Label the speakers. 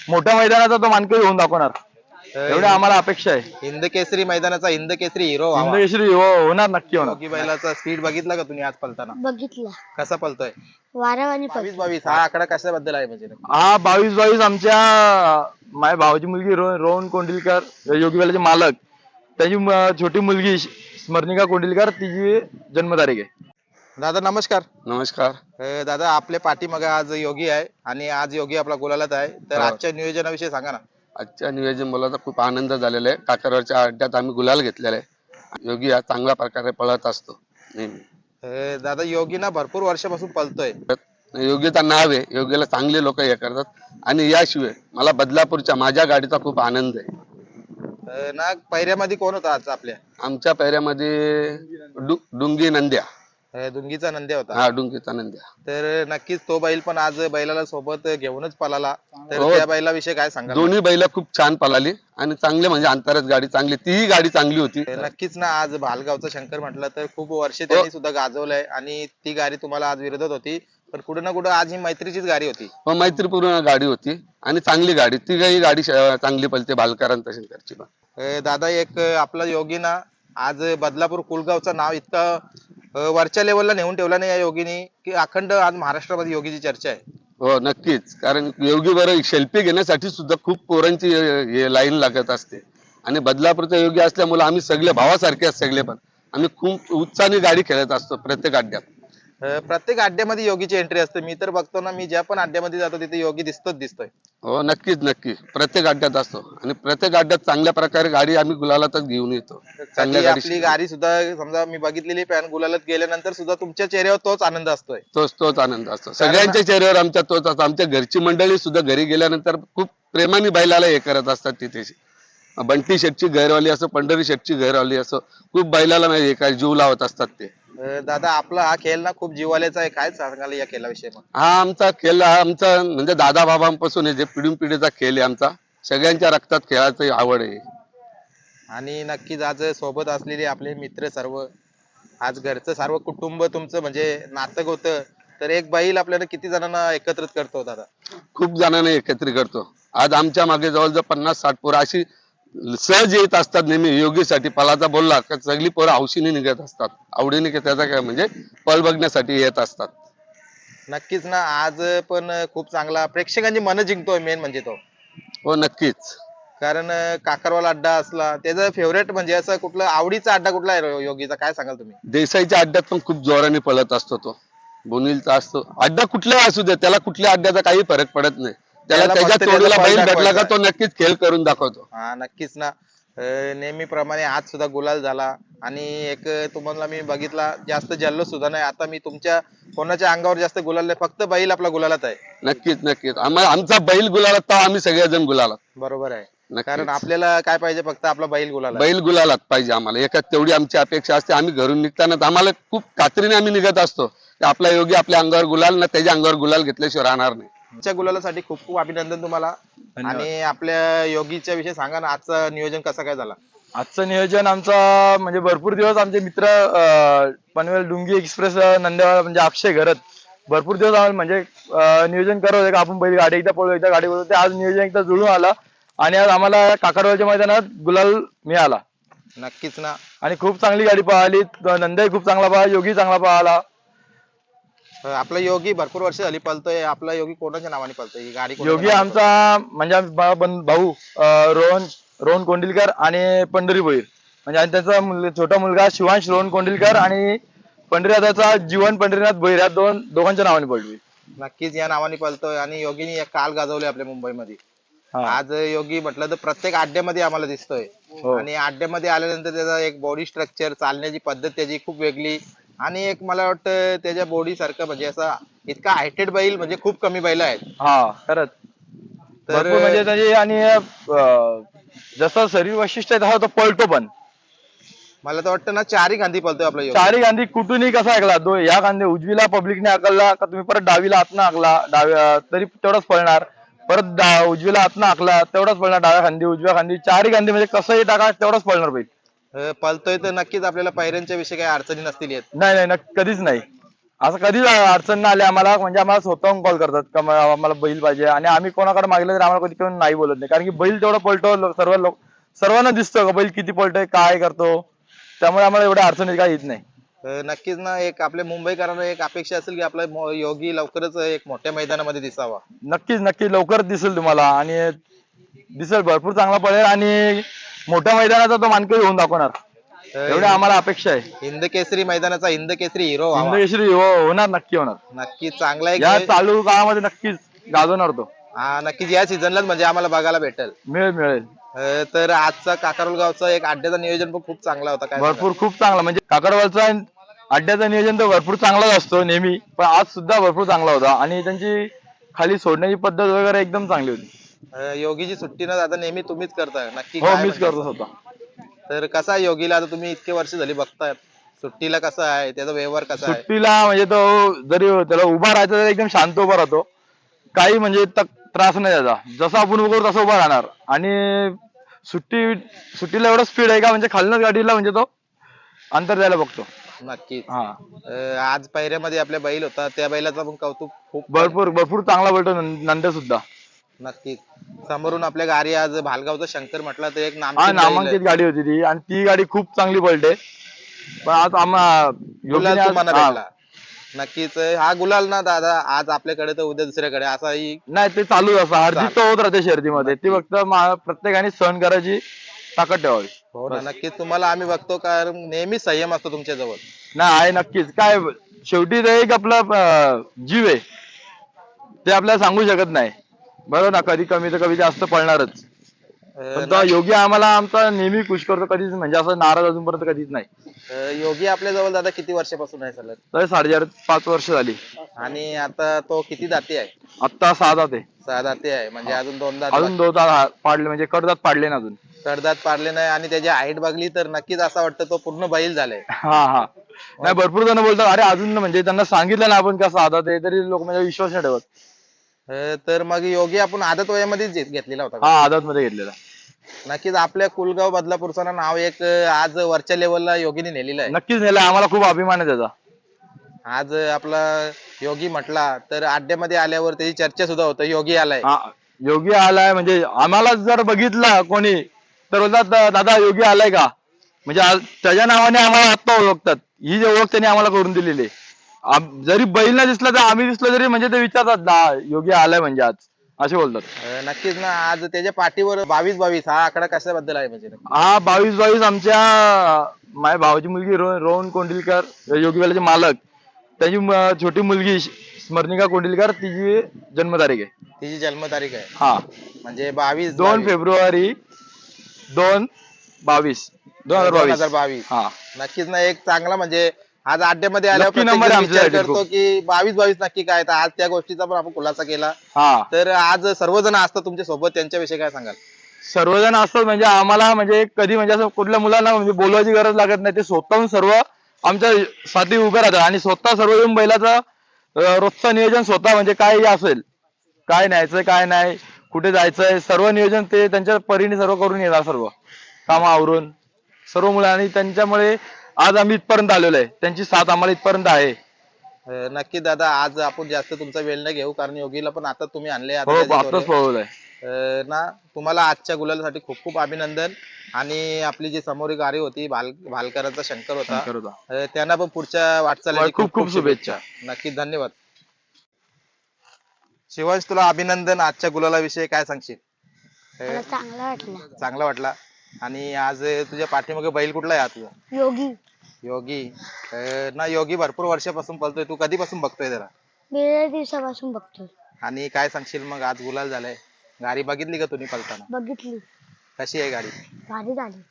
Speaker 1: मोठ्या मैदानाचा तो मानकरी होऊन दाखवणार, एवढी आम्हाला अपेक्षा आहे.
Speaker 2: हिंद केसरी मैदानाचा हिंद केसरी हिरो
Speaker 1: हिंद केसरी होणार, नक्की होणार.
Speaker 2: योगी बैलाचा स्पीड बघितला का तुम्ही आज पलताना?
Speaker 3: बघितलं.
Speaker 2: कसा पलतोय?
Speaker 3: वारावानी
Speaker 2: 22 हा आकडा कशाबद्दल आहे म्हणजे?
Speaker 1: हा 22 आमच्या माझ्या भावाची मुलगी रोहन कोंडिलकर, योगी बैलाचे मालक, त्याची छोटी मुलगी स्मरणिका कोंडिलकर, तिची जन्मतारीख आहे.
Speaker 2: दादा नमस्कार.
Speaker 4: नमस्कार.
Speaker 2: दादा आपल्या पाठीमागे आज योगी आहे आणि आज योगी आपला गुलालात आहे, तर
Speaker 4: हो.
Speaker 2: आजच्या नियोजनाविषयी सांगा ना.
Speaker 4: आजच्या नियोजन मला तर खूप आनंद झालेला आहे. काकारवरच्या अड्ड्यात आम्ही गुलाल घेतलेला आहे. योगी हा चांगल्या प्रकारे पळत असतो नेहमी.
Speaker 2: दादा योगी ना भरपूर वर्षापासून पळतोय.
Speaker 4: योगीचं नाव आहे, योगीला चांगले लोक हे करतात आणि याशिवाय मला बदलापूरच्या माझ्या गाडीचा खूप आनंद आहे.
Speaker 2: ना पैऱ्यामध्ये कोण होता आज आपल्या?
Speaker 4: आमच्या पैऱ्यामध्ये डुंगी नंद्या.
Speaker 2: दुंगीचा नंद्या होता.
Speaker 4: हा, डुंगीचा नंद्या.
Speaker 2: तर नक्कीच तो बैल पण आज बैलाला सोबत घेऊनच पळाला, तर
Speaker 4: हो.
Speaker 2: त्या बैलाविषयी काय सांगा?
Speaker 4: दोन्ही बैल खूप छान पळाली आणि चांगले म्हणजे अंतरात गाडी चांगली, तीही गाडी चांगली होती.
Speaker 2: नक्कीच ना. आज भालगावचा शंकर म्हटलं तर खूप वर्ष त्यांनी सुद्धा गाजवलंय आणि ती गाडी तुम्हाला आज विरोधात होती, पण कुठं ना कुठं आज ही मैत्रीचीच गाडी होती.
Speaker 4: व मैत्रीपूर्ण गाडी होती आणि चांगली गाडी, ती काही गाडी चांगली पळते भालकरांत शंकरची पण.
Speaker 2: दादा एक आपला योगी ना आज बदलापूर कुलगावचं नाव इतकं वरच्या लेवलला नेऊन ठेवला नाही या योगीनी, की अखंड आज महाराष्ट्रामध्ये योगीची चर्चा आहे.
Speaker 4: हो नक्कीच, कारण योगी बरं सेल्फी घेण्यासाठी सुद्धा खूप पोरांची लाईन लागत असते आणि बदलापूरचा योगी असल्यामुळे आम्ही सगळे भावासारखे सगळे पण आम्ही खूप उत्साहाने गाडी खेळत असतो प्रत्येक अड्ड्यात.
Speaker 2: प्रत्येक अड्ड्यामध्ये योगीची एंट्री असते. मी तर बघतो ना, मी ज्या पण अड्ड्यामध्ये जातो तिथे योगी दिसतोय.
Speaker 4: हो नक्कीच नक्की, प्रत्येक अड्ड्यात असतो आणि प्रत्येक अड्ड्यात चांगल्या प्रकारे गाडी आम्ही गुलालातच घेऊन येतो. चांगल्या
Speaker 2: आपली गाडी सुद्धा समजा मी बघितलेली पॅन गुलालात गेल्यानंतर सुद्धा तुमच्या चेहऱ्यावर तोच आनंद असतोय.
Speaker 4: तोच आनंद असतो सगळ्यांच्या चेहऱ्यावर आमच्या तोच असतो. आमच्या घरची मंडळी सुद्धा घरी गेल्यानंतर खूप प्रेमाने बैलाला हे करत असतात. तिथे बंटी शेटची घरवाली असो, पंढरी शेटची घरवाली असो, खूप बैलाला हे काय जीव लावत असतात ते.
Speaker 2: दादा आपला हा खेळ ना खूप जीवाल्याचा आहे, काय सांगाल या खेळाविषयी?
Speaker 4: हा आमचा खेळ, हा आमचा म्हणजे दादा बाबांपासून जे पिढून पिढीचा खेळ आहे आमचा. सगळ्यांच्या रक्तात खेळाची आवड आहे
Speaker 2: आणि नक्कीच आज सोबत असलेले आपले मित्र सर्व, आज घरचं सर्व कुटुंब तुमचं म्हणजे नातक होतं, तर एक बैल आपल्याला किती जणांना एकत्रित करतो दादा?
Speaker 4: खूप जणांना एकत्रित करतो. आज आमच्या मागे जवळजवळ 50-60 पोरं अशी सहज येत असतात नेहमी योगीसाठी. पलाचा बोलला का सगळी पोरं हौशीने निघत असतात, आवडीने त्याचा काय म्हणजे पल बघण्यासाठी येत असतात.
Speaker 2: नक्कीच ना. आज पण खूप चांगला प्रेक्षकांची मन जिंकतोय मेन म्हणजे तो.
Speaker 4: हो नक्कीच,
Speaker 2: कारण काकारवाला अड्डा असला त्याचा फेवरेट म्हणजे असं कुठला आवडीचा अड्डा कुठला आहे योगीचा, काय सांगाल तुम्ही?
Speaker 4: देसाईच्या अड्ड्यात पण खूप जोराने पळत असतो तो. बोनिलचा असतो अड्डा, कुठलाही असू दे त्याला, कुठल्या अड्ड्याचा काही फरक पडत नाही. त्याला त्याच्या तोडीला बैल भेटला का तो नक्कीच खेळ करून दाखवतो.
Speaker 2: हा नक्कीच ना. नेहमीप्रमाणे आज सुद्धा गुलाल झाला आणि एक तुम्हाला मी बघितला जास्त जल्लोष सुद्धा नाही. आता मी तुमच्या कोणाच्या अंगावर जास्त गुलाल नाही, फक्त बैल आपला गुलालात आहे.
Speaker 4: नक्कीच आम्हाला आमचा बैल गुलालात तर आम्ही सगळेजण गुलालात.
Speaker 2: बरोबर आहे. कारण आपल्याला काय पाहिजे, फक्त आपला बैल गुलाल.
Speaker 4: बैल गुलालात पाहिजे आम्हाला, एकाच तेवढी आमची अपेक्षा असते. आम्ही घरून निघताना आम्हाला खूप खात्रीने आम्ही निघत असतो की आपला योगी आपल्या अंगावर गुलाल ना त्याच्या अंगावर गुलाल घेतल्याशिवाय राहणार नाही.
Speaker 2: तुमच्या गुलालासाठी खूप खूप अभिनंदन तुम्हाला. आणि आपल्या योगीच्या विषयी सांगा ना, आजचं नियोजन कसं काय झालं?
Speaker 1: आजचं नियोजन आमचा म्हणजे भरपूर दिवस आमचे मित्र पनवेल डुंगी एक्सप्रेस नंदेवाला म्हणजे अक्षय घरत भरपूर दिवस आम्हाला म्हणजे नियोजन करत होते का आपण पहिली गाडी एकदा पळू एकदा गाडी पळू. ते आज नियोजन एकदा जुळून आलं आणि आज आम्हाला काकारवालच्या मैदानात गुलाल मिळाला.
Speaker 2: नक्कीच ना.
Speaker 1: आणि खूप चांगली गाडी पळाली, नंदाई खूप चांगला पळाला, योगी चांगला पळाला.
Speaker 2: आपला योगी भरपूर वर्ष झाली पळतोय. आपला योगी कोणाच्या नावाने पळतोय ही गाडी?
Speaker 1: योगी आमचा म्हणजे भाऊ रोहन कोंडिलकर आणि पंढरी भोईर, म्हणजे आणि त्याचा छोटा मुलगा शिवांश रोहन कोंडिलकर आणि पंढरीनाथाचा जीवन पंढरीनाथ भोईर, या दोघांच्या नावाने पळली.
Speaker 2: नक्कीच या नावाने पळतोय आणि योगीने एक काल गाजवले आपल्या मुंबईमध्ये. आज योगी म्हटलं तर प्रत्येक अड्ड्यामध्ये आम्हाला दिसतोय. आणि अड्ड्यामध्ये आल्यानंतर त्याचा एक बॉडी स्ट्रक्चर, चालण्याची पद्धत त्याची खूप वेगळी आणि एक मला वाटतं त्याच्या बॉडी सारखं म्हणजे असा इतका हायटेड बैल म्हणजे खूप कमी बैल आहेत.
Speaker 1: हा खरंच, तर म्हणजे त्याची आणि जसं शरीर वैशिष्ट्य आहे तसा तो पळतो पण.
Speaker 2: मला तर वाटतं ना चारी गांधी पळतोय आपला योगी.
Speaker 1: चारी गांधी कुठूनही कसा ऐकला तो, या गांधी उजवीला पब्लिकने आकलला का तुम्ही परत डावीला हातनं आकला डाव्या तरी तेवढाच पळणार, परत उजवीला हातनं आकला तेवढाच पळणार, डाव्या खांदी उजव्या खांदी चारी गांधी म्हणजे कसंही टाका तेवढाच पळणार बैल.
Speaker 2: पळतोय तर नक्कीच आपल्याला पायऱ्यांच्या विषयी काही अडचणी नसतील येत.
Speaker 1: नाही कधीच नाही. असं कधीच अडचण नाही आली आम्हाला, म्हणजे आम्हाला स्वतःहून कॉल करतात का आम्हाला बैल पाहिजे, आणि आम्ही कोणाकडे मागलं तरी आम्हाला कधी कोण नाही बोलत नाही, कारण की बैल तेवढा पळतो, सर्वांना दिसतो का बैल किती पळतोय काय करतो, त्यामुळे आम्हाला एवढ्या अडचणी काही येत नाही.
Speaker 2: नक्कीच ना, एक आपल्या मुंबईकरांना एक अपेक्षा असेल की आपला योगी लवकरच एक मोठ्या मैदानामध्ये दिसावा.
Speaker 1: नक्कीच नक्की लवकरच दिसेल तुम्हाला, आणि दिसेल, भरपूर चांगला पळेल आणि मोठ्या मैदानाचा तो मानकरी होऊन दाखवणार, एवढी आम्हाला अपेक्षा आहे.
Speaker 2: हिंद केसरी मैदानाचा हिंद केसरी हिरो व्हावा.
Speaker 1: हिंदकेसरी होणार, नक्की होणार.
Speaker 2: नक्की चांगला एक
Speaker 1: या चालू काळामध्ये नक्कीच गाजवणार तो.
Speaker 2: नक्कीच या सीझनलाच म्हणजे आम्हाला बघायला भेटेल.
Speaker 1: मिळेल मिळेल.
Speaker 2: तर आजचा काकारोल गावचा एक अड्ड्याचा नियोजन पण खूप चांगला होता. काय
Speaker 1: भरपूर खूप चांगला, म्हणजे काकडवालचा अड्ड्याचं नियोजन तर भरपूर चांगलाच असतो नेहमी, पण आज सुद्धा भरपूर चांगला होता, आणि त्यांची खाली सोडण्याची पद्धत वगैरे एकदम चांगली होती.
Speaker 2: योगीची सुट्टी न जाता नेहमी तुम्हीच करताय नक्की
Speaker 1: हो,
Speaker 2: काय
Speaker 1: मीच
Speaker 2: म्हणताय?
Speaker 1: करतो स्वतः.
Speaker 2: तर कसा आहे योगीला, आता तुम्ही इतके वर्ष झाली बघताय, सुट्टीला कसा आहे, त्याचा व्यवहार कसा आहे?
Speaker 1: सुट्टीला म्हणजे तो जरी त्याला उभा राहायचा तरी एकदम शांत उभा राहतो, काही म्हणजे त्रास नाही त्याचा, जसं आपण उभं करू तसं उभा राहणार, आणि सुट्टीला एवढं स्पीड आहे का, म्हणजे खालनच गाडीला म्हणजे तो अंतर द्यायला बघतो.
Speaker 2: नक्कीच.
Speaker 1: हा,
Speaker 2: आज पायऱ्यामध्ये आपल्या बैल होता, त्या बैलाचं पण कौतुक खूप
Speaker 1: भरपूर भरपूर चांगला बोलतो नंद्या सुद्धा.
Speaker 2: नक्कीच. समोरून आपल्या गाडी आज भालगावचा शंकर म्हटला तर एक
Speaker 1: हा,
Speaker 2: नामांकित बैल
Speaker 1: नामांकित
Speaker 2: आहे.
Speaker 1: गाडी होती ती, आणि ती गाडी खूप चांगली पळते, पण आज
Speaker 2: गुलाल
Speaker 1: योगीने
Speaker 2: तुम्हाला
Speaker 1: हा,
Speaker 2: भेटला. नक्कीच हा गुलाल ना दादा, आज आपल्याकडे तर उद्या दुसऱ्याकडे असाही.
Speaker 1: नाही ते चालूच असं, हरजीत तर होत राहते शर्यतीमध्ये, ती फक्त प्रत्येकाने सहन करायची ताकद ठेवावी.
Speaker 2: हो ना, नक्कीच तुम्हाला आम्ही बघतो, कारण नेहमी संयम असतो तुमच्या जवळ.
Speaker 1: नाही आहे, नक्कीच. काय शेवटी ते एक आपला जीव आहे, ते आपल्याला सांगू शकत नाही, बरोबर ना, कधी कमी तर कधी जास्त पळणारच, पण तो योगी आम्हाला आमचा नेहमी खुश करतो, कधीच म्हणजे असं नाराज अजूनपर्यंत कधीच नाही.
Speaker 2: योगी आपल्या जवळ दादा किती वर्षापासून आहे सलग?
Speaker 1: तर 5.5 वर्ष झाली.
Speaker 2: आणि आता तो किती दाती आहे?
Speaker 1: आत्ता 6 दात आहे.
Speaker 2: 6 दाती आहे, म्हणजे अजून 2 दात
Speaker 1: अजून 2 दात पाडले, म्हणजे कडदात पाडले ना अजून.
Speaker 2: कडदात पाडले नाही, आणि त्याची हाईट बघली तर नक्कीच असं वाटतं तो पूर्ण बैल झालाय.
Speaker 1: हा हा, नाही भरपूर जण बोलतात अरे अजून, म्हणजे त्यांना सांगितलं ना आपण कसं आदात आहे, तरी लोक म्हणजे विश्वास नाही ठेवत.
Speaker 2: तर मग योगी आपण आदत वयामध्येच घेतलेला होता का?
Speaker 1: हा, आदात मध्ये घेतलेला.
Speaker 2: नक्कीच आपल्या कुलगाव बदलापूरचं नाव एक आज वरच्या लेवलला योगीने नेलेलं आहे.
Speaker 1: नक्कीच नेला, आम्हाला खूप अभिमान आहे त्याचा.
Speaker 2: आज आपला योगी म्हटला तर अड्ड्यामध्ये आल्यावर त्याची चर्चा सुद्धा होते, योगी आलाय.
Speaker 1: हा, योगी आलाय, म्हणजे आम्हाला जर बघितला कोणी तर बोलतात दादा योगी आलाय का, म्हणजे त्याच्या नावाने आम्हाला आत्ता ओळखतात, ही जी ओळख त्यांनी आम्हाला करून दिलेली आहे. जरी बैल नाही दिसला तर आम्ही दिसलो तरी म्हणजे ते विचारतात ना योगी आलाय म्हणजे आज, असे बोलतात.
Speaker 2: नक्कीच ना, आज त्याच्या पाठीवर 22-22 हा आकडा कशाबद्दल आहे म्हणजे?
Speaker 1: हा, 22-22 आमच्या माझ्या भावाची मुलगी रोहन कोंडिलकर, योगीवाल्याचे मालक, त्याची छोटी मुलगी स्मरणिका कोंडिलकर, तिची जन्मतारीख आहे.
Speaker 2: तिची जन्मतारीख आहे
Speaker 1: हा,
Speaker 2: म्हणजे 22
Speaker 1: 2 फेब्रुवारी 2022. हा,
Speaker 2: नक्कीच ना, एक चांगला म्हणजे आज अड्ड्यामध्ये आल्यावर
Speaker 1: Lucky number आहे
Speaker 2: प्रत्येक विचार
Speaker 1: आमच्यासाठी
Speaker 2: करतो की 22-22 नक्की काय, तर आज त्या गोष्टीचा पण आपण खुलासा केला.
Speaker 1: हा,
Speaker 2: तर आज सर्वजण असतात तुमच्या सोबत, त्यांच्याविषयी काय सांगाल?
Speaker 1: सर्वजण असतात, म्हणजे आम्हाला म्हणजे कधी म्हणजे असं कुठल्या मुलांना म्हणजे बोलवायची गरज लागत नाही, ते स्वतःहून सर्व आमच्या साठी उभे राहतात, आणि स्वतः सर्व येऊन बैलाचं रोजचं नियोजन स्वतः, म्हणजे काय असेल, काय न्यायचंय काय नाही, कुठे जायचंय, सर्व नियोजन ते त्यांच्या परीने सर्व करून येणार, सर्व कामं आवरून सर्व मुलं, आणि त्यांच्यामुळे आज आम्ही इथपर्यंत आलेलो आहे, त्यांची साथ आम्हाला इथपर्यंत आहे.
Speaker 2: नक्की दादा, आज आपण जास्त तुमचा वेळ न घेऊ, कारण योगीला पण आता तुम्ही आणले
Speaker 1: हो, आताच पळवलंय.
Speaker 2: ना. तुम्हाला आजच्या गुलालासाठी खूप खूप अभिनंदन, आणि आपली जी समोरील गाडी होती भालकरांचा शंकर होता, त्यांना पण पुढच्या वाटचालीसाठी
Speaker 1: खूप खूप शुभेच्छा.
Speaker 2: नक्की, धन्यवाद. शिवांश, तुला अभिनंदन, आजच्या गुलालाविषयी काय सांगशील?
Speaker 3: मला चांगला वाटला.
Speaker 2: चांगला वाटला. आणि आज तुझ्या पाठीमागे बैल कुठला आहे हा तुझा?
Speaker 3: योगी.
Speaker 2: योगी. ना, योगी भरपूर वर्षापासून पळतोय, तू कधीपासून बघतोय त्याला?
Speaker 3: बरेच दिवसापासून बघतोय.
Speaker 2: आणि काय सांगशील मग, आज गुलाल झालाय, गाडी बघितली का तुम्ही पळताना?
Speaker 3: बघितली.
Speaker 2: कशी आहे गाडी?
Speaker 3: भारी झाली.